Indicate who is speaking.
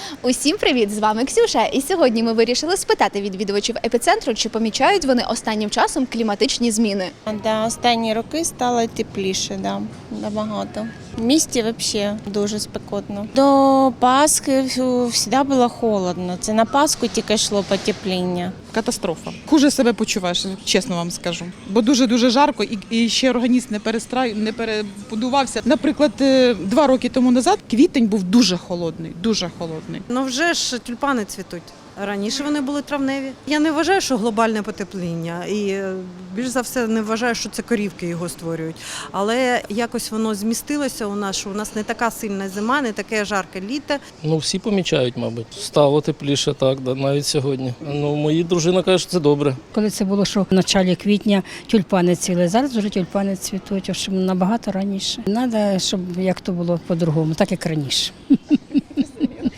Speaker 1: Усім привіт! З вами Ксюша. І сьогодні ми вирішили спитати відвідувачів епіцентру, чи помічають вони останнім часом кліматичні зміни.
Speaker 2: Да, останні роки стало тепліше, да, набагато. В місті взагалі дуже спекотно. До Пасхи завжди було холодно. Це на Пасху тільки йшло потепління.
Speaker 3: Катастрофа. Хуже себе почуваєш, чесно вам скажу. Бо дуже жарко і ще організм не перебудувався. Наприклад, 2 роки тому назад квітень був дуже холодний, дуже холодний.
Speaker 4: Ну вже ж тюльпани цвітуть. Раніше вони були травневі. Я не вважаю, що глобальне потепління. І більш за все не вважаю, що це корівки його створюють. Але якось воно змістилося у нас, що у нас не така сильна зима, не таке жарке літо.
Speaker 5: Ну, всі помічають, мабуть. Стало тепліше, так, навіть сьогодні. Ну, моя дружина каже, що це добре.
Speaker 6: Коли це було, що в началі квітня тюльпани цвіли, зараз вже тюльпани цвітуть, щоб набагато раніше. Треба, щоб як то було по-другому, так як раніше.